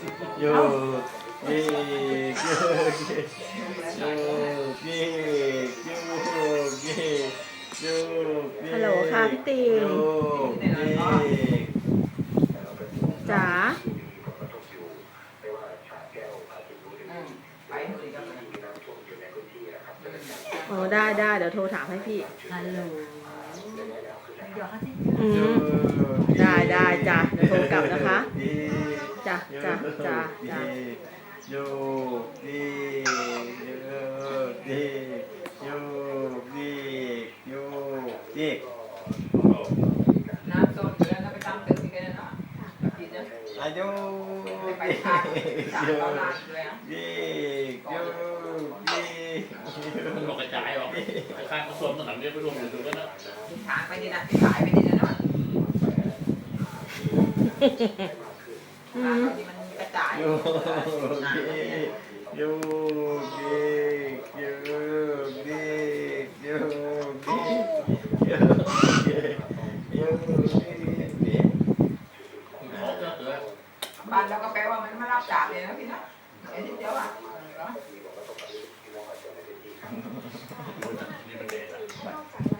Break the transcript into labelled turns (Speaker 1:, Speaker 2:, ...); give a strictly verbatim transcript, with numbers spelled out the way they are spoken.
Speaker 1: โยกเยกโยกเยกโยกเยกโยกเยกโยกเยก
Speaker 2: ฮัลโหลค่ะพี่ติง
Speaker 1: โยกเยก
Speaker 2: จ๋า
Speaker 3: อืมไปเลยก็ไป
Speaker 2: โอ้ได้ได้เดี๋ยวโทรถามให้พี่
Speaker 3: ฮัลโหลเดี๋ยวเขาจะ
Speaker 2: อื
Speaker 1: โย
Speaker 2: ม
Speaker 1: ก
Speaker 2: ได้ได้จ้ะเดี๋ยวโทรกลับนะคะ
Speaker 1: เยก
Speaker 2: จ้ะจ้ะจ้ะจ้ะ
Speaker 1: โยกเยกโยกเยกโยกเยกโยกเยก
Speaker 3: น้ำส้มเดือดแล้วไปตำตึกที่กันนะกินนะ
Speaker 1: อายุ
Speaker 3: ไปทานสามร้อยล้านเลยอ่ะ
Speaker 1: เยกโยกเยก
Speaker 4: มันบอกกระจายออกข้างกระทรวงต่างๆเนี่ยไปรวมอยู่ตรงนั้นนะ
Speaker 3: ทิศทางไปนี่นะทิศสายไปนี่นะเนาะ
Speaker 2: อื
Speaker 3: ทาง
Speaker 2: ม
Speaker 3: ที่มันกระจาย
Speaker 1: โยกเยกโยกเยกโยกเยกโยกเยกโยกเยกโยกเยก
Speaker 4: เขาจะเออ
Speaker 3: บ้านเราก็แปลว่ามันมารับจากเลยนะพี่นะเห็นเดียวอ่ะ
Speaker 4: นี่มันเด็ด